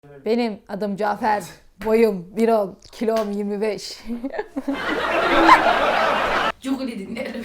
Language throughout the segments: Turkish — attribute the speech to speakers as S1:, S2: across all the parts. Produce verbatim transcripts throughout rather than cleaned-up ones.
S1: Benim adım Cafer. Boyum bir on, kilom yirmi beş.
S2: Cuguli dinlerim.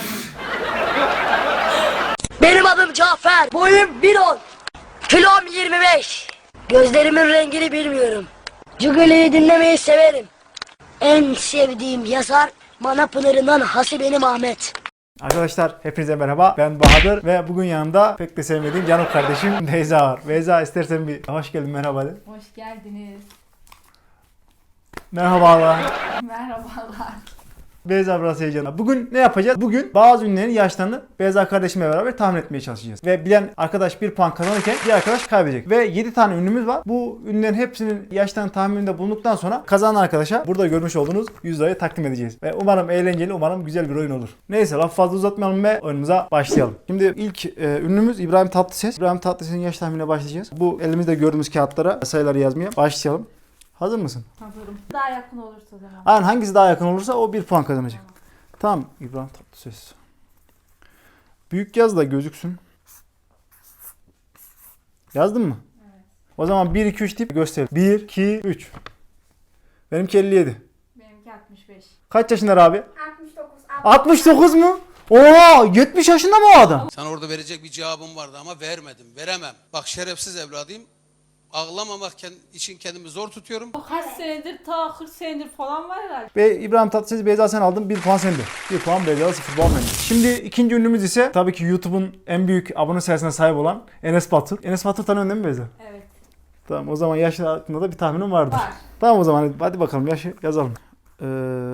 S3: Benim adım Cafer. Boyum bir on. Kilom yirmi beş. Gözlerimin rengini bilmiyorum. Cugali'yi dinlemeyi severim. En sevdiğim yazar Manapınar'ından Hasibenim Ahmet.
S4: Arkadaşlar hepinize merhaba. Ben Bahadır ve bugün yanımda pek de sevmediğim canım kardeşim Beyza var. Beyza istersen bir hoş geldin, merhaba de.
S1: Hoş geldiniz.
S4: Merhabalar.
S1: Merhabalar.
S4: Beyza biraz heyecanlı. Bugün ne yapacağız? Bugün bazı ünlülerin yaşlarını Beyza kardeşimle beraber tahmin etmeye çalışacağız. Ve bilen arkadaş bir puan kazanırken bir arkadaş kaybedecek. Ve yedi tane ünlümüz var. Bu ünlülerin hepsinin yaşlarını tahmininde bulunduktan sonra kazanan arkadaşa burada görmüş olduğunuz yüz lirayı takdim edeceğiz. Ve umarım eğlenceli, umarım güzel bir oyun olur. Neyse laf fazla uzatmayalım ve oyunumuza başlayalım. Şimdi ilk e, ünlümüz İbrahim Tatlıses. İbrahim Tatlıses'in yaş tahminine başlayacağız. Bu elimizde gördüğümüz kağıtlara sayıları yazmaya başlayalım. Hazır mısın?
S1: Hazırım. Daha yakın olursa o zaman.
S4: Aynen, hangisi daha yakın olursa o bir puan kazanacak. Tamam İbrahim Tatlıses. Büyük yaz da gözüksün. Yazdın mı?
S1: Evet.
S4: O zaman bir iki üç deyip göster. bir iki üç. Benimki elli yedi.
S1: Benimki altmış beş.
S4: Kaç yaşında abi?
S5: altmış dokuz.
S4: altmış dokuz mu? Oha, yetmiş yaşında mı o adam?
S6: Sana orada verecek bir cevabım vardı ama vermedim, veremem. Bak şerefsiz evladıyım. Ağlamamak için kendimi zor tutuyorum.
S2: Kaç senedir ta kırk senedir falan var herhalde.
S4: Ve İbrahim Tatlıses, Beyza sen aldın, bir puan sende. bir puan Beyza'da, sıfır puan bende. Şimdi ikinci ünlümüz ise tabii ki YouTube'un en büyük abone sayısına sahip olan Enes Batur. Enes Batur tanıyorsun değil mi Beyza?
S2: Evet.
S4: Tamam, o zaman yaşı hakkında da bir tahminim vardır.
S2: Var.
S4: Tamam, o zaman hadi bakalım yaşı yazalım. Ee,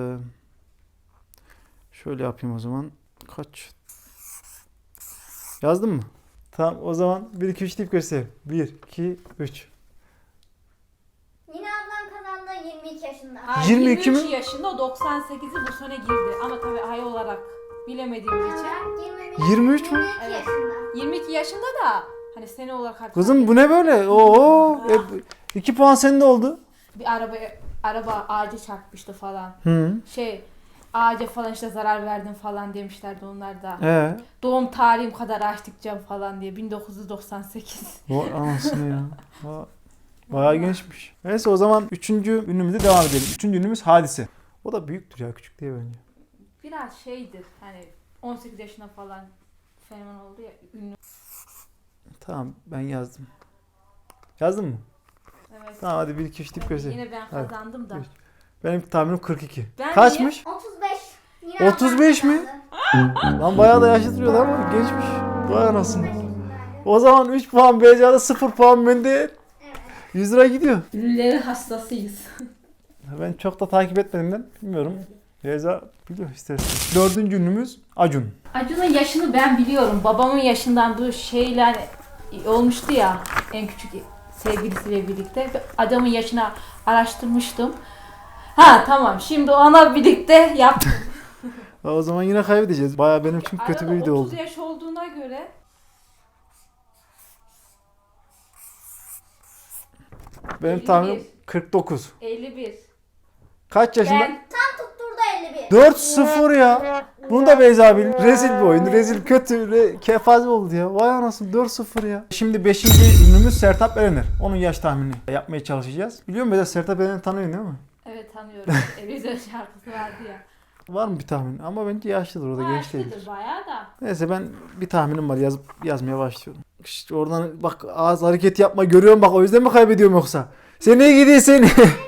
S4: şöyle yapayım o zaman. Kaç? Yazdın mı? Tamam, o zaman bir iki üç deyip göster. bir iki üç.
S5: Yine ablam kazandı yirmi iki yaşında.
S2: Ha,
S4: yirmi iki
S2: yirmi üç
S4: mi?
S2: yaşında, o doksan sekizi bu sene girdi. Ama tabii ay olarak bilemediğimiz için.
S5: yirmi bir,
S4: yirmi üç mü?
S5: yirmi iki yaşında.
S2: yirmi iki yaşında da hani sene olarak artık.
S4: Kızım bu ne böyle? Oo, e, iki puan sende oldu.
S2: Bir araba araba ağaca çarpmıştı falan.
S4: Hı.
S2: Şey ağaca falan işte zarar verdin falan demişlerdi onlar da.
S4: Ee,
S2: Doğum tarihim kadar açtıkça falan diye bin dokuz yüz doksan sekiz.
S4: vay anasını ya. Va- Bayağı gençmiş. Neyse o zaman üçüncü ünlümüze devam edelim. Üçüncü ünlümüz Hadise. O da büyüktür ya, küçük değil bence.
S2: Biraz şeydir hani on sekiz yaşına falan fenomen oldu ya, ünlü.
S4: Tamam, ben yazdım. Yazdın mı?
S2: Evet.
S4: Tamam, hadi bir iki üç deyip göster.
S2: Yine ben
S4: Hadi.
S2: kazandım da.
S4: Benim tahminim kırk iki.
S2: Ben
S4: Kaçmış?
S5: otuz beş. Yine ablam
S4: otuz beş mi?
S5: kazandı.
S4: Lan bayağı da yaşlı duruyordu ama gençmiş. Vay anasını.
S5: otuz beş yaşındaydı.
S4: O zaman üç puan Beyza'da, sıfır puan bende. yüz lira gidiyor.
S2: Ünlüleri hastasıyız.
S4: Ben çok da takip etmediğimden bilmiyorum. Beyza biliyor istersen. Dördüncü ünlümüz Acun.
S2: Acun'un yaşını ben biliyorum. Babamın yaşından bu şeyler olmuştu ya, en küçük sevgilisiyle birlikte. Adamın yaşını araştırmıştım. Ha tamam, şimdi ona birlikte yaptım.
S4: O zaman yine kaybedeceğiz. Bayağı benim için kötü bir
S2: Arada
S4: video oldu.
S2: otuz yaş olduğuna göre
S4: Benim
S2: elli bir.
S4: tahminim kırk dokuz.
S2: elli bir.
S4: Kaç yaşında?
S2: Ben
S5: Tam tutturdu elli bir.
S4: dört sıfır ya. Bunu da Beyza bil. Rezil bir oyun. Rezil, kötü, re- kefaze oldu ya. Vay anasını, dört sıfır ya. Şimdi beşinci ünlümüz Sertab Erener. Onun yaş tahminini yapmaya çalışacağız. Biliyor musun Beyza, Sertab Erener'i tanıyorsun değil mi?
S2: evet tanıyorum. Televizyon şarkısı vardı ya.
S4: Var mı bir tahmin? Ama bence yaşlıdır, o da genç değil.
S2: Yaşlıdır bayağı da.
S4: Neyse ben bir tahminim var, yazıp yazmaya başlıyorum. İşte oradan bak, ağız hareketi yapma, görüyorum bak, o yüzden mi kaybediyorum yoksa? Sen ne gidiyorsun?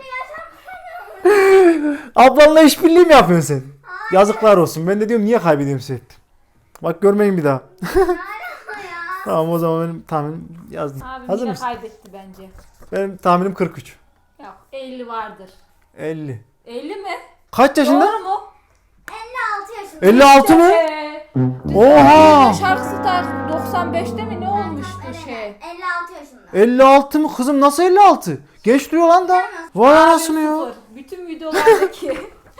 S4: Ablanla işbirliği mi yapıyorsun sen? Yazıklar olsun. Ben de diyorum niye kaybediyorum sürekli. Bak görmeyin bir daha. Tamam, o zaman benim tahminim yazdım.
S2: Abim
S4: Hazır
S2: yine
S4: mısın?
S2: kaybetti bence.
S4: Benim tahminim kırk üç.
S2: Yok, elli vardır.
S4: elli.
S2: elli mi?
S4: Kaç yaşında?
S2: Doğru mu?
S5: elli altı yaşında.
S4: elli altı mı?
S2: Ee,
S4: Oha!
S2: şarkısı da doksan beşte mi ne olmuştu şey?
S5: elli altı yaşında.
S4: elli altı mı kızım, nasıl elli altı? Genç duruyor lan da. Vay anasını ya.
S2: Sıfır. Bütün videolardaki.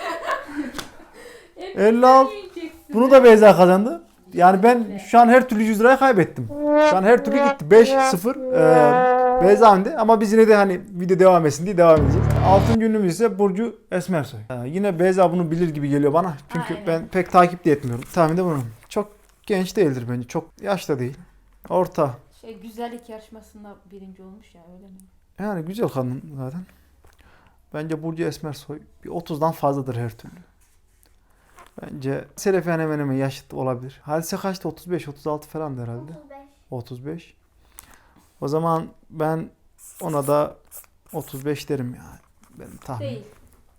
S4: elli altı. Bunu da Beyza kazandı. Yani ben şu an her türlü yüz lirayı kaybettim. Şu an her türlü gitti. beş sıfır. Ee, Beyza önde ama biz yine de hani video devam etsin diye devam edeceğiz. Altıncı ünlümüz ise Burcu Esmersoy. Ee, yine Beyza bunu bilir gibi geliyor bana. Çünkü
S2: Aynen.
S4: ben pek takip de etmiyorum. Tahminde bunu. Çok genç değildir bence. Çok yaşta değil. Orta.
S2: Şey güzellik yarışmasında birinci olmuş ya, öyle mi?
S4: Yani güzel kadın zaten. Bence Burcu Esmersoy bir otuzdan fazladır her türlü. Bence Selefen hemen hemen yaşıt olabilir. Hadise kaçtı? otuz beş otuz altı falan herhalde.
S5: otuz beş.
S4: otuz beş. O zaman ben ona da otuz beş derim ya. Benim tahminim.
S2: Değil.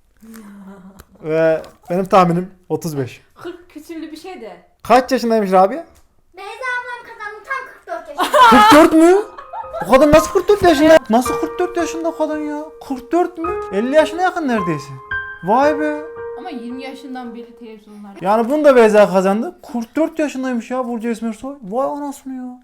S4: Ve benim tahminim otuz beş.
S2: kırk küsürlü bir şey de.
S4: Kaç yaşındaymış Rabia?
S5: Beyza ablam kazandı tam kırk dört yaşında.
S4: kırk dört mü? O kadın nasıl kırk dört yaşında? Nasıl kırk dört yaşında kadın ya? kırk dört mü? elli yaşına yakın neredeyse. Vay be.
S2: Ama yirmi yaşından beri televizyonlar.
S4: Yani bunu da Beyza kazandı. kırk dört yaşındaymış ya Burcu Esmersoy. Vay anasını ya.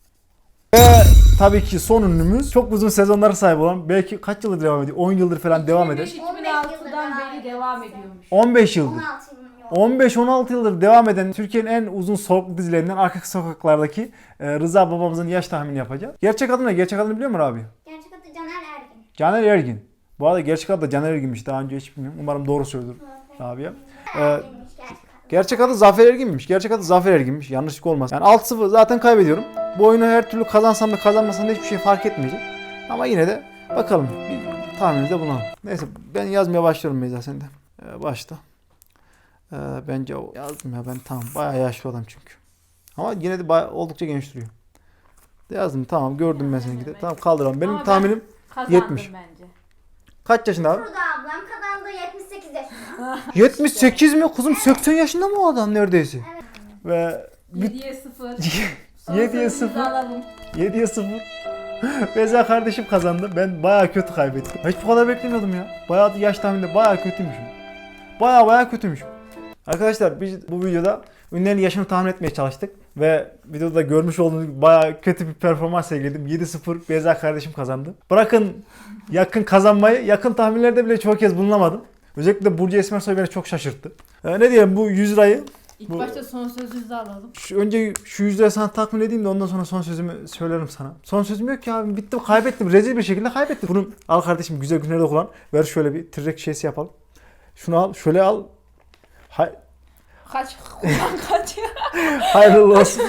S4: Ve tabii ki son ünlümüz çok uzun sezonlara sahip olan, belki kaç yıldır devam ediyor? on yıldır falan devam eden.
S2: iki bin altıdan beri devam ediyormuş.
S4: on beş yıldır.
S5: on altı yıl.
S4: on beş on altı yıldır devam eden Türkiye'nin en uzun soluklu dizilerinden Arka Sokaklar'daki e, Rıza babamızın yaş tahmini yapacağız. Gerçek adı ne? Gerçek adını biliyor musun abi?
S5: Gerçek adı Caner Ergin.
S4: Caner Ergin. Bu arada gerçek adı da Caner Ergin'miş. Daha önce hiç bilmiyorum. Umarım doğru söylüyorum abi ya. Ee,
S5: Ergin'miş gerçek adı.
S4: gerçek adı Zafer Ergin'miş. Gerçek adı Zafer Ergin'miş. Yanlışlık olmaz. Yani altı sıfır zaten kaybediyorum. Bu oyunu her türlü kazansam da kazanmasam da hiçbir şey fark etmeyecek. Ama yine de bakalım. Bir tahminimizde bulunalım. Neyse ben yazmaya başlıyorum Beyza, sen de. Ee, başla. Ee, bence o yazdım ya ben, tamam. Bayağı yaşlı adam çünkü. Ama yine de bayağı, oldukça genç duruyor. Yazdım, tamam, gördüm ben seninki de. Tamam, kaldıralım. Benim
S2: Ama ben
S4: tahminim
S2: Kazandım
S4: yetmiş.
S2: bence.
S4: kaç yaşında abi?
S5: Burada ablam kazandı yetmiş sekiz yaşında.
S4: yetmiş sekiz mi? Kızım seksen yaşında mı o adam neredeyse? Ve
S2: yediye sıfır.
S4: yediye sıfır. yediye sıfır. Beyza kardeşim kazandı. Ben bayağı kötü kaybettim. Hiç bu kadar beklemiyordum ya. Bayağı yaş tahmininde bayağı kötüymüşüm. Bayağı bayağı kötüymüşüm. Arkadaşlar biz bu videoda ünlülerin yaşını tahmin etmeye çalıştık. Ve videoda görmüş olduğunuz gibi bayağı kötü bir performans sergiledim. yedi sıfır Beyza kardeşim kazandı. Bırakın yakın kazanmayı, yakın tahminlerde bile çok kez bulunamadım. Özellikle Burcu Esmersoy beni çok şaşırttı. Ee, ne diyelim, bu yüz lirayı
S2: İlk
S4: Bu-
S2: başta son sözünüzü alalım.
S4: Şu, önce şu yüz lirayı sana tahmin edeyim de ondan sonra son sözümü söylerim sana. Son sözüm yok ki abi. Bittim, kaybettim. Rezil bir şekilde kaybettim. Bunu al kardeşim, güzel günlerde kullan. Ver şöyle bir tırrek şeysi yapalım. Şunu al. Şöyle al. Hay
S2: Kaç? Kullan kaç ya?
S4: hayırlı olsun.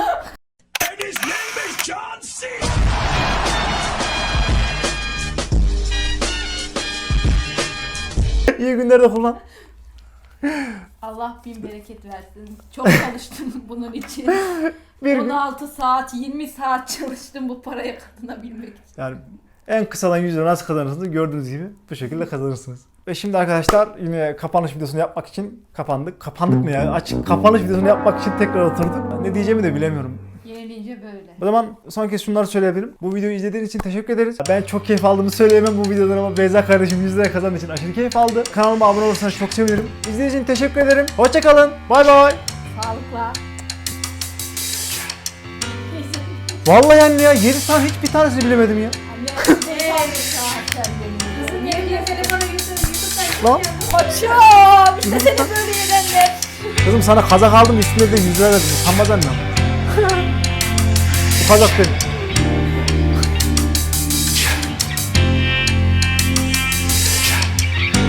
S4: İyi günlerde kullan.
S2: Allah bin bereket versin. Çok çalıştım bunun için.
S4: Bir gün.
S2: on altı saat, yirmi saat çalıştım bu paraya kazanabilmek için.
S4: Yani en kısadan yüz lira nasıl kazanırsınız gördüğünüz gibi bu şekilde kazanırsınız. Ve şimdi arkadaşlar yine kapanış videosunu yapmak için kapandık. Kapandık mı ya? Açık kapanış videosunu yapmak için tekrar oturduk. Ne diyeceğimi de bilemiyorum.
S2: Yenilince böyle.
S4: O zaman son kez şunları söyleyebilirim. Bu videoyu izlediğiniz için teşekkür ederiz. Ben çok keyif aldığımı söyleyemem bu videodan ama Beyza kardeşim yüz lira kazandığı için aşırı keyif aldı. Kanalıma abone olursanız çok sevinirim. İzlediğiniz için teşekkür ederim. Hoşçakalın. Bay bay.
S2: Sağlıkla. Neyse.
S4: Vallahi anne ya yedi tane hiçbir tanesini bilemedim ya.
S2: Anne, eee, saat sen benim. Kızım niye telefona götürün YouTube'dan
S4: Lan.
S2: Koçum işte seni böyle yedenler.
S4: Kızım sana kazak aldım, üstüne de yüz lira verdim. Utanmaz annem. Bu kazak benim.